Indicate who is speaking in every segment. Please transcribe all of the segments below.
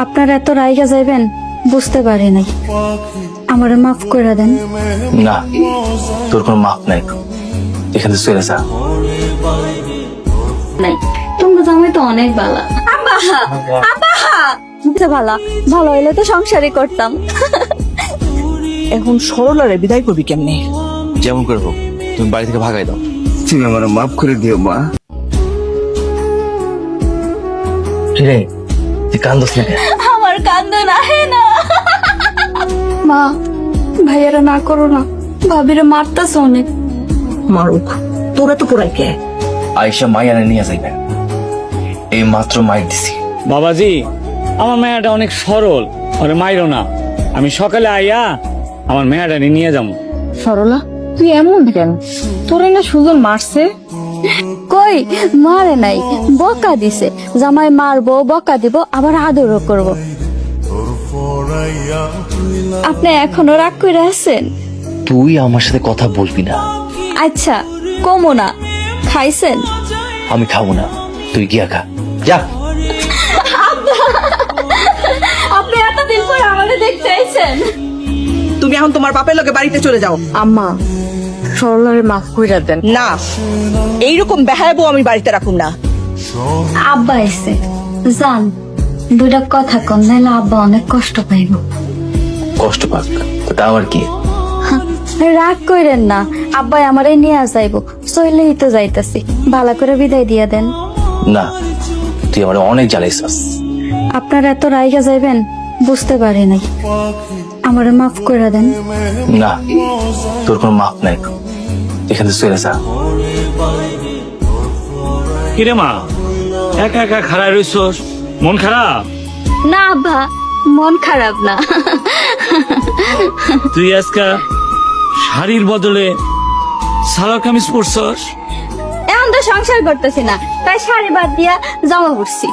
Speaker 1: আপনারা এত রাইগা যাইবেন বুঝতে পারি নাই, আমারে মাফ করে দেন।
Speaker 2: না, তোর কোনো মাপ নাই, এখান থেকে চলে যা।
Speaker 1: নাই, তোমরা জামাই তো অনেক ভালো। আব্বা আব্বা ভালো ভালো হইলে তো সংসারই করতাম।
Speaker 3: এখন সরলারে বিদায় করবি কেমনে?
Speaker 2: যেমন করে হোক তুমি বাড়ি থেকে ভাগাই দাও।
Speaker 4: তুমি আমার মাফ করে দিও মা।
Speaker 2: রে তুই কান্দস না কেন?
Speaker 1: আমার কান্দন আহে না। মা, ভাইয়ারা না করো না, ভাবিরা মারতাছে অনেক।
Speaker 3: মারুক, তোরা তো পোড়াই কে?
Speaker 2: আয়সা মাইয়ানে নিয়ে যাইবে, এই মাত্র মাইর দিছি।
Speaker 5: বাবাজি, আমার মেয়েটা অনেক সরল, ওরে মাইরো না। আমি সকালে আইয়া আমার মেয়েটা নিয়ে যাবো।
Speaker 3: সরলা, তুই এমন কেন? তোরে না সুজন মারছে?
Speaker 1: কই মারে নাই, বকা দিছে। জামাই মারবো, বকা দিব, আবার আদরও করব। আপনি এখনো রাগ করে আছেন?
Speaker 2: তুই আমার সাথে কথা বলবি না।
Speaker 1: আচ্ছা কমো না। খাইছেন?
Speaker 2: আমি খাবো না, তুই গিয়া খা, যা।
Speaker 1: আপনি এতদিন পর আমাকে দেখতে আইছেন।
Speaker 3: তুমি এখন তোমার বাপের লগে বাড়িতে চলে যাও।
Speaker 1: আম্মা, সরলারে মাফ কইরা দেন।
Speaker 3: না, এইরকম বেহায়াবো আমি বাড়িতে রাখুম না।
Speaker 1: আব্বা এসে জান, দুইটা কথা কম, নাইলে আব্বা অনেক কষ্ট পাইব।
Speaker 2: কষ্ট পাক, তা আমার কি?
Speaker 1: রাগ কইরেন না, আব্বাই আমারে নিয়ে যাইব, চইলেই তো যাইতাছি, ভালো করে বিদায় দিয়া দেন।
Speaker 2: না, তুই আমার অনেক জ্বালাইছাস।
Speaker 1: আপনারা এত রাইগা যাইবেন বুঝতে পারি নাই, আমারে মাফ করে দেন।
Speaker 2: না, তোর কোনো মাপ নাই, এখান থেকে চলে যা।
Speaker 5: কিরে মা, একা একা খাড়ায় রইছস, মন খারাপ?
Speaker 1: না আব্বা, মন খারাপ না।
Speaker 5: তুই আজকা শাড়ির বদলে সালোয়ার কামিজ পরছস?
Speaker 1: এখন তো সংসার করতেছি না, তাই শাড়ি বাদ দিয়া জামা পরছি।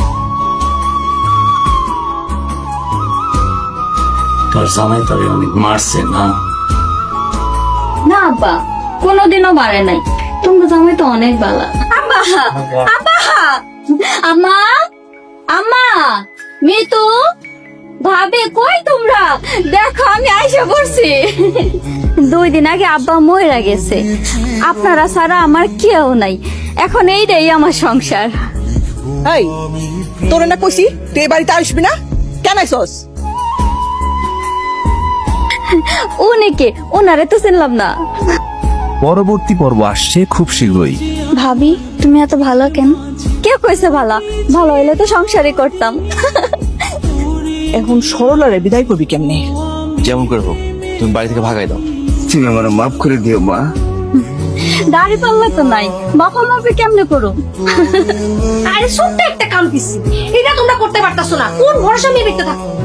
Speaker 5: তোর জামাই তোরে অনেক মারছে না?
Speaker 1: না আব্বা, কোনোদিনও মারে নাই, তোমরা জামাই তো অনেক ভালো। আব্বা আব্বা, আম্মা আম্মা, মিতু ভাবে কই তোমরা? দেখো আমি আইসা পড়ছি। 2 দিন আগে আব্বা মইরা গেছে, আপনারা ছাড়া আমার কেউ নাই, এখন এইটাই আমার সংসার।
Speaker 3: এই, তোরে না কইছি তুই এই বাড়িতে আসবি না, কেন আইছস?
Speaker 1: উনিকে, ওনারে তো চিনলাম না।
Speaker 4: পরবর্তী পর্ব আসছে খুব শীঘ্রই।
Speaker 1: ভাবি তুমি এত ভালো কেন? কে কইছে ভালো? ভালো হইলে তো সংসারই করতাম।
Speaker 3: এখন সরলারে বিদায় করবি কেমনে?
Speaker 2: যেমন করে হোক তুমি বাড়ি থেকে ভাগাই দাও।
Speaker 4: তুমি আমার মাফ করে দিও মা।
Speaker 1: দাড়ি পাল্লা তো নাই, বাপা মাপি কেমনে করো?
Speaker 6: আরে ছোট্ট একটা কাম দিছি, এটা তোমরা করতে পারতাছো না, কোন ভরসা নিয়ে দেখতে থাকো?